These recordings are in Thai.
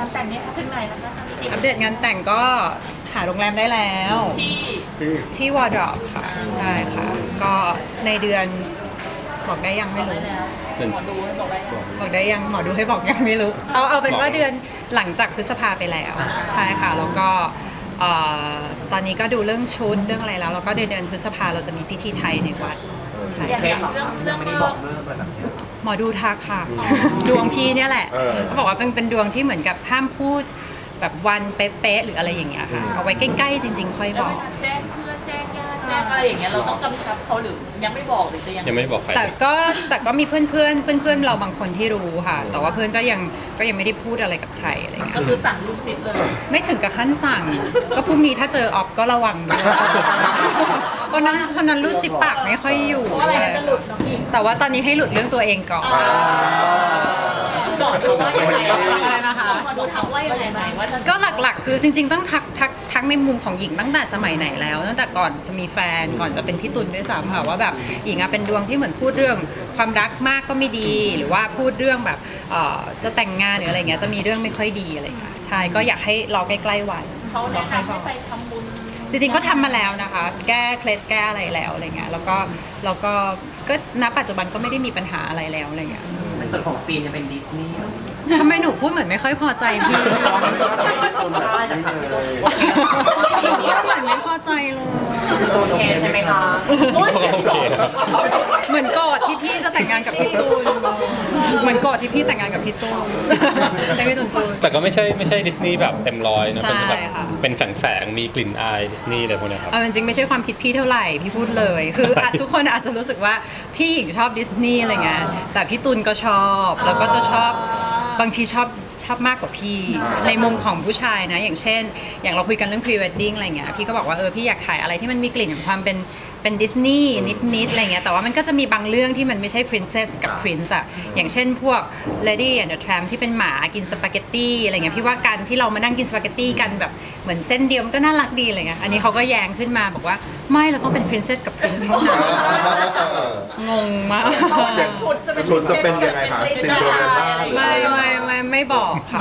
านแต่งเนี่ยถึงไหนแล้วคะพี่อัปเดตงานแต่งก็หาโรงแรมได้แล้ว ที่วอร์ดรอปค่ะใช่ค่ะ ก็ในเดือนบอกได้ยังไม่รู้หมอดูให้บอกได้บอกได้ยังหมอดูให้บอกยังไม่รู้เอาเป็นว่าเดือนหลังจากพฤษภาไปแล้วใช่ค่ะแล้วก็ตอนนี้ก็ดูเรื่องชุดเรื่องอะไรแล้วก็เดือนพฤษภาเราจะมีพิธีไทยในวัดใช่อย่างเรื่องเลิกหมอดูทักค่ะดวงพี่เนี่ยแหละเขาบอกว่าเป็นดวงที่เหมือนกับห้ามพูดแบบวันเป๊ะๆหรืออะไรอย่างเงี้ยค่ะเอาไว้ใกล้ๆจริงๆค่อยบอกแจ้งเพื่อนแจ้งญาติแจ้งอะไรอย่างเงี้ยเราต้องกำชับเขาหรือยังไม่บอกหรือจะยังยังไม่ได้บอกใครแต่ก็มีเพื่อนเราบางคนที่รู้ค่ะ แต่ว่าเพื่อนก็ยังไม่ได้พูดอะไรกับใครอะไรเงี้ยก็คือสั่งลูกศิษย์เลยไม่ถึงกับขั้นสั่ง ก็พรุ่งนี้ถ้าเจอออฟก็ระวังด้วยเพราะนั้นรูดจิบปากไม่ค่อยอยู่เพราะอะไรจะหลุดน้องพี่แต่ว่าตอนนี้ให้หลุดเรื่องตัวเองก่อนบอกดูว่ายังไงอะไรนะคะมาดูทักว่ายังไงว่าจะก็หลักๆ คือจริงๆต้องทักในมุมของหญิงตั้งแต่สมัยไหนแล้วตั้งแต่ก่อนจะมีแฟนก่อนจะเป็นพี่ตุลด้วยซ้ำค่ะว่าแบบหญิงอะเป็นดวงที่เหมือนพูดเรื่องความรักมากก็ไม่ดี หรือว่าพูดเรื่องแบบจะแต่งงานหรืออะไรเงี้ยจะมีเรื่องไม่ค่อยดีอะไรเงี้ยใช่ก็อยากให้รอใกล้ๆวันเขาแนะนำให้ไปทำบุญจริงๆก็ทำมาแล้วนะคะ แก้เคล็ดแก้อะไรแล้วอะไรเงี้ยแล้วก็ณปัจจุบันก็ไม่ได้มีปัญหาอะไรแล้วอะไรเงี้ยในส่วนของปีนจะเป็นดิสนีย์ทำไมหนูพูดเหมือนไม่ค่อยพอใจพี่ได้จากทางพี่ตูนหนูพูดเหมือนไม่พอใจเลยพี่ตูนโอเคใช่ไหมคะโอ้ยเสียงสองเหมือนโกรธที่พี่จะแต่งงานกับพี่ตูนเหมือนโกรธที่พี่แต่งงานกับพี่ตูนให้พี่ตูนพูดแต่ก็ไม่ใช่ดิสนีย์แบบเต็มร้อยนะใช่เป็นแบบค่ะเป็นแฝงมีกลิ่นอายดิสนีย์อะไรพวกเนี้ยครับเอาจริงๆไม่ใช่ความคิดพี่เท่าไหร่พี่พูดเลยคือทุกคนอาจจะรู้สึกว่าพี่หญิงชอบดิสนีย์อะไรเงี้ยแต่พี่ตูนก็ชอบแล้วก็จะชอบบางทีชอบมากกว่าพี่ในมุมของผู้ชายนะอย่างเช่น อย่างเราคุยกันเรื่อง pre wedding อะไรเงี้ยพี่ก็บอกว่าพี่อยากถ่ายอะไรที่มันมีกลิ่นของความเป็นดิสนีย์นิดๆอะไรเงี้ยแต่ว่ามันก็จะมีบางเรื่องที่มันไม่ใช่ princess กับ prince อะอย่างเช่นพวก lady and the tramp ที่เป็นหมากินสปาเกตตี้อะไรเงี้ยพี่ว่าการที่เรามานั่งกินสปาเกตตี้กันแบบเหมือนเส้นเดียวมันก็น่ารักดีอะไรเงี้ยอันนี้เขาก็แย้งขึ้นมาบอกว่าไม่เราต้องเป็น princess กับ prince เท่านั้นงงมากชุดจะเป็นชุดจะเป็นยังไงคะเป็นเจ้าชายอะไรอย่างเงี้ยไม่บอกค่ะ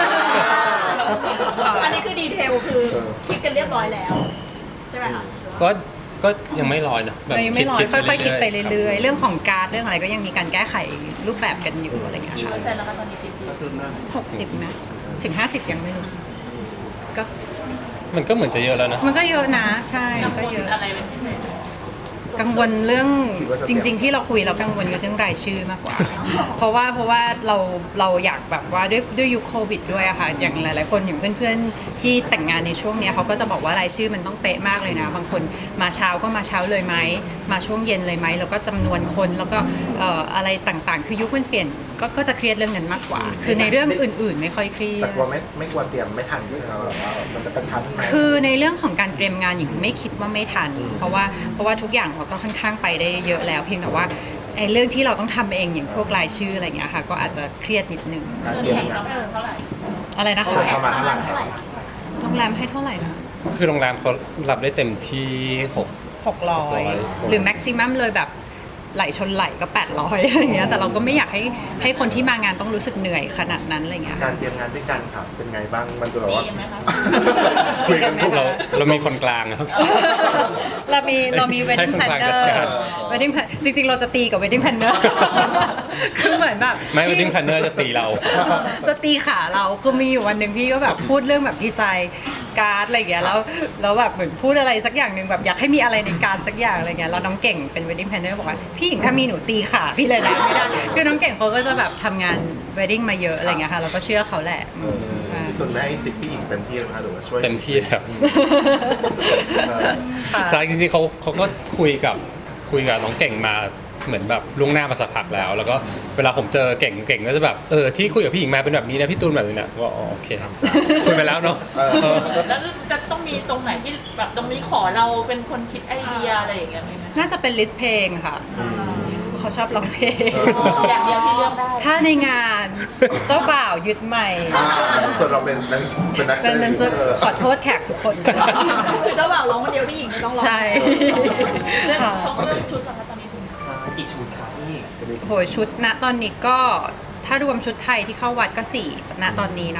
อันนี้คือดีเทลคือคิดกันเรียบร้อยแล้ว ใช่ไหมคะก็ยังไม่ร้อยนะแบบไม่ร้อยค่อยๆคิดไปๆเรื่อยๆเรื่องของการ์ดเรื่องอะไรก็ยังมีการแก้ไขรูปแบบกันอยู่อะไรเงี้ยกี่เปอค่ะร์เซ็นต์แล้วคะตอนนี้ติดดี 60นะถึง50ยังไม่รู้ก็มันก็เหมือนจะเยอะแล้วนะมันก็เยอะนะใช่กัมังนวก็ลเยอะอะไรเป็นพิเศษไหมกังวลเรื่องจริง ๆ ที่เราคุยเรากังวลกับเรื่องรายชื่อมากกว่า เพราะว่าเราอยากแบบว่าด้วยยุคโควิดด้วยอะค่ะอย่างหลายๆคนอย่างเพื่อนๆที่แต่งงานในช่วงเนี้ยเขาก็จะบอกว่ารายชื่อมันต้องเป๊ะมากเลยนะบางคนมาเช้าก็มาเช้าเลยไหมมาช่วงเย็นเลยไหมแล้วก็จำนวนคนแล้วก็อะไรต่างๆ คือยุคมันเปลี่ยนก็จะเครียดเรื่องนั้นมากกว่า คือในเรื่องอื่นๆ ไม่ค่อยเครียแต่ดกลัวไม่กลัวเตรียมไม่ทันด้วยนะแบบว่ามันจะกระชั้นไหมคือในเรื่องของการเตรียมงานหญิงไม่คิดว่าไม่ทัน เพราะว่าทุกอย่างเราก็ค่อนข้างไปได้เยอะแล้วเพียงแต่ว่าไอ้เรื่องที่เราต้องทำเองอย่างพวกรายชื่ออะไรเงี้ยค่ะก็อาจจะเครียดนิดนึงการเงินเตรียมแข่งงาต้อน งเท่าไหร่อะไรนะคะใช่ประมาณเท่าไหร่โรงแรมให้เท่าไหร่นะคือโรงแรมเขารับได้เต็มที่ 600หรือแม็กซิมัมเลยแบบไหลชนไหลก็800อะไรเงี้ยแต่เราก็ไม่อยากให้คนที่มางานต้องรู้สึกเหนื่อยขนาดนั้นอะไรเงี้ยการเตรียมงานด้วยกันค่ะเป็นไงบ้างมันจะแบบว่าดีไหมคะคุยกันทุกเรามีคนกลางอะครับเรามี wedding ให้คนกลางจั planner ดการ weddingจริงๆ เราจะตีกับ wedding planner คือเหมือนแบบไม่ wedding planner จะตีเราจะตีขาเราคือมีอยู่วันหนึ่งพี่ก็แบบพูดเรื่องแบบดีไซน์การ์ดอะไรอย่างเงี้ยแล้วแบบเหมือนพูดอะไรสักอย่างหนึ่งแบบอยากให้มีอะไรในการ์ดสักอย่างอะไรเงี้ยแล้วน้องเก่งเป็น wedding planner บอกว่าพี่หญิงถ้ามีหนูตีขาพี่เลยนะไม่ได้คือน้องเก่งเขาก็จะแบบทำงาน wedding มาเยอะอะไรเงี้ยค่ะเราก็เชื่อเขาแหละพี่ตุนได้ให้สิทธิ์พี่หญิงเต็มที่เลยนะคะหรือว่าช่วยเต็มที่ครับค่ะใช่จริงๆเขาก็คุยกับน้องเก่งมาเหมือนแบบล่วงหน้ามาสักพักแล้ว แล้วก็เวลาผมเจอเก่งก็จะแบบที่คุยกับพี่หญิงมาเป็นแบบนี้นะพี่ตูนแบบนี้นะก็อ๋อโอเคคุยไปแล้วเนาะแล้วจะต้องมีตรงไหนที่แบบตรงนี้ขอเราเป็นคนคิดไอเดียอะไรอย่างเงี้ยไหมน่าจะเป็นลิสต์เพลงค่ะเขาชอบร้องเพลงอย่างเดียวที่เลือกได้ถ้าในงานเจ้าบ่าวยึดใหม่ส่วนเราเป็นนักเป็นขอโทษแขกทุกคนด้วยคือเจ้าบ่าวร้องคนเดียวพี่หญิงก็ต้องร้องใช่เรื่องค่ะชงเรื่องชุดนะคะตอนนี้ถึงใช่กี่ชุดคะพี่โหยชุดณตอนนี้ก็ถ้ารวมชุดไทยที่เข้าวัดก็4ณตอนนี้นะคะใช่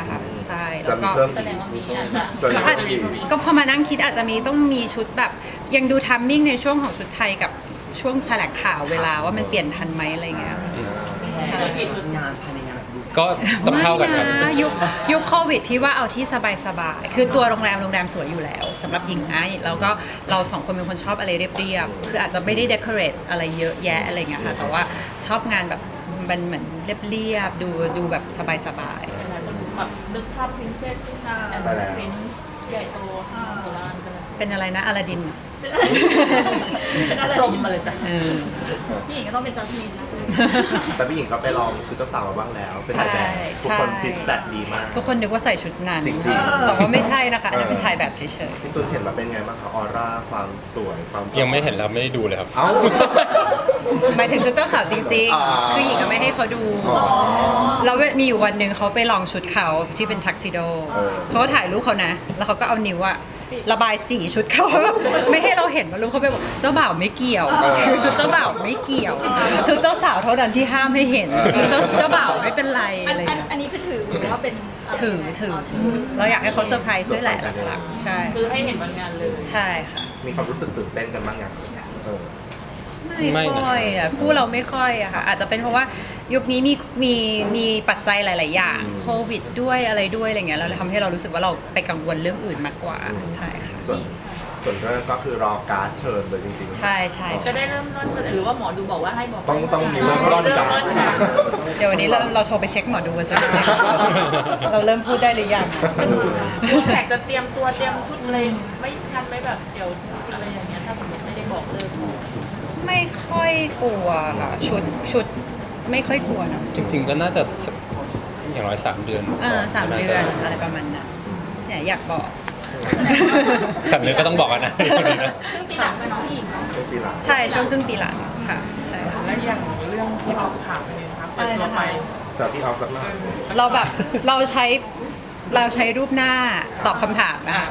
ใช่แล้จะวมีก็เพิ่มแสดงว่ามีอาจจะจะมีก็เพิ่มอีกก็พอมานั่งคิดอาจจะมีต้องมีชุดแบบยังดูทัมมิ่งในช่วงของชุดไทยกับช่วงแถลงข่าวเวลาว่ามันเปลี่ยนทันไหมอะไรเงี้ย ใช่งานภายในงานแบบดูก็ต้องเท่ากันครับไม่นะยุคโควิดพี่ว่าเอาที่สบายๆคือตัวโรงแรมสวยอยู่แล้วสำหรับหญิงนะแล้วก็เราสองคนเป็นคนชอบอะไรเรียบๆคืออาจจะไม่ได้เดคอเรทอะไรเยอะแยะอะไรเงี้ยค่ะแต่ว่าชอบงานแบบมันเหมือนเรียบๆดูแบบสบายหลายคนแบบนึกภาพ princess แอนไปแล้วด์ prince ใหญ่โตโบราณกันเลยๆเป็นอะไรนะอลาดินเป็นอะไรพรหมมาเลยจ้ะเออพี่หญิงก็ต้องเป็นจัสมินนะแต่พี่หญิงก็ไปลองชุดเจ้าสาวมาบ้างแล้ว เป็นใช่ถ่ายแบบทุกคนใช่ฟีดแบ็กดีมากทุกคนนึกว่าใส่ชุดนั้นจริงๆแต่ว่าไม่ใช่นะคะอันนั้นเป็นถ่ายแบบเฉยพี่ตุ้นเห็นแล้วเป็นไงบ้างคะออร่าความสวยความยังไม่เห็นแล้วไม่ได้ดูเลยครับเอ้าๆหมายถึงชุดเจ้าสาวจริงอ่าๆคือหญิงก็ไม่ให้เขาดู แล้วมีอยู่วันหนึ่งเขาไปลองชุดเขาที่เป็นทักซิโด เขาก็ถ่ายรูปเขานะ แล้วเขาก็เอานิ้วอะระบายสีชุดเขาแบบไม่ให้เราเห็นว่ารูปเขาไปบอกเจ้าบ่าวไม่เกี่ยว คือชุดเจ้าบ่าวไม่เกี่ยว ชุดเจ้าสาวเท่านั้นที่ห้ามให้เห็น ชุดเจ้าบ่าวไม่เป็นไรอะไรอย่างเงี้ยอันนี้คือถือหรือว่าเป็นอะไรถือเราอยากให้เขาเซอร์ไพรส์ด้วยแหละหลักๆใช่คือให้เห็นวันงานเลยใช่ค่ะมีความรู้สึกตื่นเต้นกันบ้างยังเออไม่ค่อยอ่ะคู่เราไม่ค่อยอะค่ะอาจจะเป็นเพราะว่ายุคนี้มีปัจจัยหลาย ๆ อย่างโควิดด้วยอะไรด้วยอะไรเงี้ยเราเลยทำให้เรารู้สึกว่าเราไปกังวลเรื่องอื่นมากกว่าใช่ค่ะส่วนเรื่องก็คือรอการ์ดเชิญเลยจริงๆใช่ใช่จะได้เริ่มต้นกันหรือว่าหมอดูบอกว่าให้บอกต้องมีเริ่มต้นกันเดี๋ยววันนี้เราโทรไปเช็คหมอดูกันสักนิดนึงเราเริ่มพูดได้หรือยังตัวแขกจะเตรียมตัวเตรียมชุดอะไรไม่ทันไหมแบบเดี๋ยวอะไรอย่างเงี้ยถ้าสมมติไม่ได้บอกเลยไม่ค่อยกลัวค่ะชุดไม่ค่อยกลัวนะจริง ๆ ก็น่าจะสักอย่างน้อย3 เดือน 3 เดือนอะไรประมาณนั้นเนี่ยอยากบอก 3 เดือนก็ต้องบอกกันนะซึ่งปีหลังเป็นน้องพี่หญิงเนาะเป็นฟรีแลนซ์ใช่ช่วงครึ่งปีหลังค่ะใช่ค่ะแล้วอย่างเรื่องที่ออกข่าวเป็นไงครับเปิดตัวไปสาวพี่เอาสักหน่อยเราแบบเราใช้รูปหน้าตอบคำถามนะคะ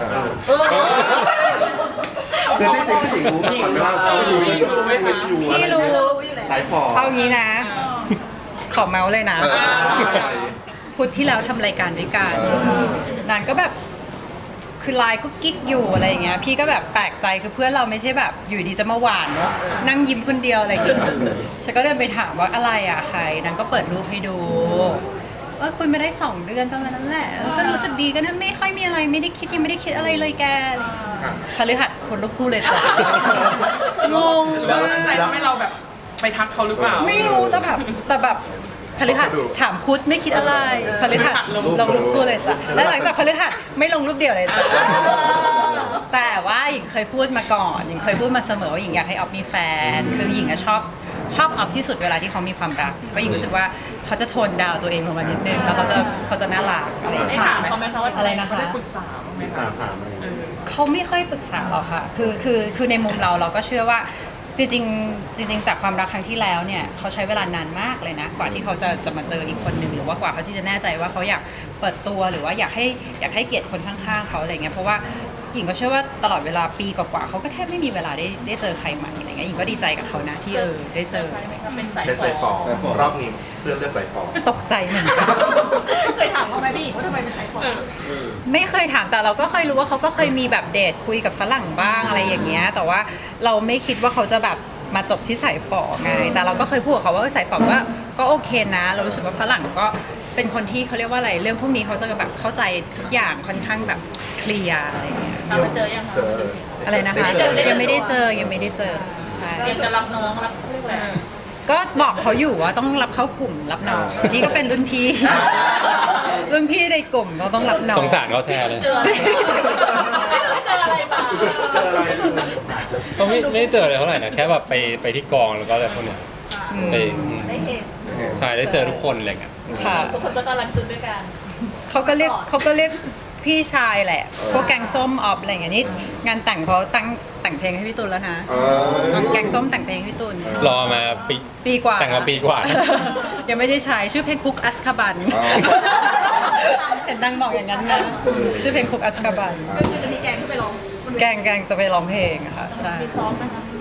คือที่จริงผู้หญิงรู้พี่หญิงว่าผู้หญิงรู้ไหมคะพี่รู้สายฟอเอางี้นะ ขอเมาส์เลยนะเออพุธที่แล้วทำรายการด้วยกันนางก็แบบคือไลน์ก็กิ๊กอยู่อะไรอย่างเงี้ยพี่ก็แบบแปลกใจคือเพื่อนเราไม่ใช่แบบอยู่ดีจะมาหวานเนาะนั่งยิ้มคนเดียวอะไรอย่างเงี้ยฉันก็เดินไปถามว่าอะไรอ่ะใครนางก็เปิดรูปให้ดูคุยไม่ได้2 เดือนประมาณนั้นแหละก็รู้สึกดีก็นะไม่ค่อยมีอะไรไม่ได้คิดยังไม่ได้คิดอะไรเลยแกพฤหัสคนลุกคู่เลยจ้ะงงแล้วมากใจทำให้เราแบบไปทักเขาหรือเปล่าไม่รู้แต่แบบพฤหัสถามพุธไม่คิดอะไรพฤหัสลงรูปคู่เลยจ้ะแล้วหลังจากพฤหัสไม่ลงรูปเดียวเลยจ้ะแต่ว่าหญิงเคยพูดมาก่อนหญิงเคยพูดมาเสมอว่าหญิงอยากให้ออฟมีแฟนคือหญิงอะชอบออฟที่สุดเวลาที่เขามีความรักเพราะหญิงรู้สึกว่าเขาจะโทนดาวตัวเองลงมานิดนึงแล้วเขาจะน่ารักอะไรอย่างได้เงี้ยถามเขาไหมคะว่าอะไรนะคะได้ปรึกษาบ้างไหมสาคะมถามอะไรเขาไม่ค่อยปรึกษาหรอกค่ะ คือในมุมเราก็เชื่อว่าจริงจากความรักครั้งที่แล้วเนี่ยเขาใช้เวลานานมากเลยนะ กว่าที่เขาจะมาเจออีกคนหนึ่งหรือว่ากว่าเขาที่จะแน่ใจว่าเขาอยากเปิดตัวหรือว่าอยากให้เกียรติคนข้างๆเขาอะไรเงี้ยเพราะว่าหญิงก็เชื่อว่าตลอดเวลาปีกว่าๆเขาก็แทบไม่มีเวลาได้เจอใครใหม่อะไรเงี้ยหญิงก็ดีใจกับเขานะที่ได้เจอใครไหมคะเป็นสายเป็นฝสายฟออรอบนี้เพื่อนเลือกสายฟอตกใจเหมือนกันเคยถามเขาไหมพี่หญิงว่าทำไมเป็นสายฝอไม่เคยถามแต่เราก็เคยรู้ว่าเขาก็เคยมีแบบเดทคุยกับฝรั่งบ้างอะไรอย่างเงี้ยแต่ว่าเราไม่คิดว่าเขาจะแบบมาจบที่สายฝอไงแต่เราก็เคยพูดกับเขาว่าสายฝอก็โอเคนะ เรารู้สึกว่าฝรั่งก็เป็นคนที่เขาเรียกว่าอะไรเรื่องพวกนี้เขาจะแบบเข้าใจทุกอย่างค่อนข้างแบบเคลียร์อะไรเงี้ยตามมาเจอยังคะเจออะไรนะคะด้เจอยังไม่ได้เจอใช่เรียนจะรับน้องรับเรียกอะไรก็บอกเขาอยู่ว่าต้องรับเข้ากลุ่มรับน้องนี่ก็เป็นรุ่นพี่ รุ่นพี่ในกลุ่มเราต้องรับน้องสงสารเขาแทนเลยเจออะไรเจออะไรมาเจออะไรก็ไม่ได้เจอเลยเท่าไหร่นะแค่แบบไปที่กองแล้วก็อะไรพวกเนี้ยไปได้เห็นใช่ได้เจอทุกคนอะไรเงี้ยค่ะทุกคนก็ต้อนรับจุดด้วยกันเขาก็เรียกพี่ชายแหละ พวกแกงส้มออฟอะไรอย่างเงี้ยนี่งานแต่งเขาแต่งเพลงให้พี่ตุลแล้วนะ แกงส้มแต่งเพลงให้พี่ตุลรอมาปีกว่าแต่งมาปีกว่ายังไม่ได้ใช้ชื่อเพลงคุกอัสคาบัน เห็นดังบอกอย่างนั้นนะชื่อเพลงคุกอัสคาบันก็คือจะมีแกงขึ้นไปร้องบนเวทีแกงจะไปร้องเพลงอะค่ะใช่ซ้อมไหมคะ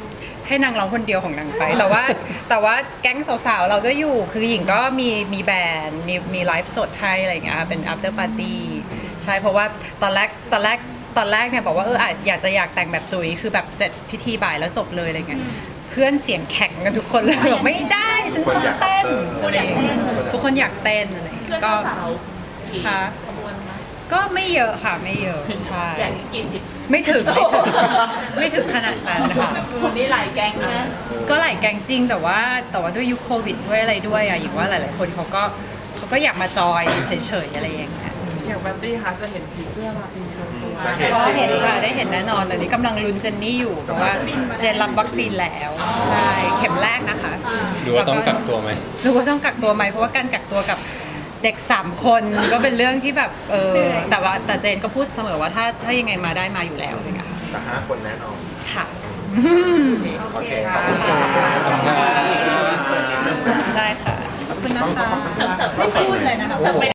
ให้นางร้องคนเดียวของนางไป แต่ว่าแก๊งสาวๆเราก็อยู่คือหญิงก็มีแบรนด์มีไลฟ์สดให้อะไรอย่างเงี้ยเป็น after party ใช่เพราะว่าตอนแรกเนี่ยบอกว่าอยากแต่งแบบจุ๋ยคือแบบเสร็จพิธีบ่ายแล้วจบเลยอะไรเงี้ยเพื่อนเสียงแข็งกันทุกคนเลยบอกไม่ได้ฉันต้องเต้นอะไรอย่างเงี้ยทุกคนอยากเต้นอะไรอย่างเพื่เงี้อนยก็สาวกี่ค่ะขบวนนะก็ไม่เยอะค่ะไม่เยอะใช่แสนกี่สิบไม่ถึงไม่ถึงขนาดนั้นนะคะวันนี้หลายแก๊งนะก็หลายแกงจริงแต่ว่าด้วยยุคโควิดด้วยอะไรด้วยอะอย่างว่าหลายๆคนเขาก็อยากมาจอยเฉยๆอะไรอย่างเงี้ยอย่างแบตตี้คะจะเห็นผีเสื้อมาปีนี้ก็เห็นค่ะได้เห็นแน่นอนตอนนี้กำลังลุ้นเจนนี่อยู่เพราะว่าเจนรับวัคซีนแล้วใช่เข็มแรกนะคะหรือว่าต้องกักตัวไหมหรือว่าต้องกักตัวไหมเพราะว่าการกักตัวกับเด็ก3 คนก็เป็นเรื่องที่แบบแต่เจนก็พูดเสมอว่าถ้ายังไงมาได้มาอยู่แล้วอะไรเงี้ยค่ะแต่5 คนแน่นอนค่ะโอเคขอบคุณค่ะได้ค่ะขอบคุณนะคะเสิร์ฟไม่พูดเลยนะคะเสิร์ฟไป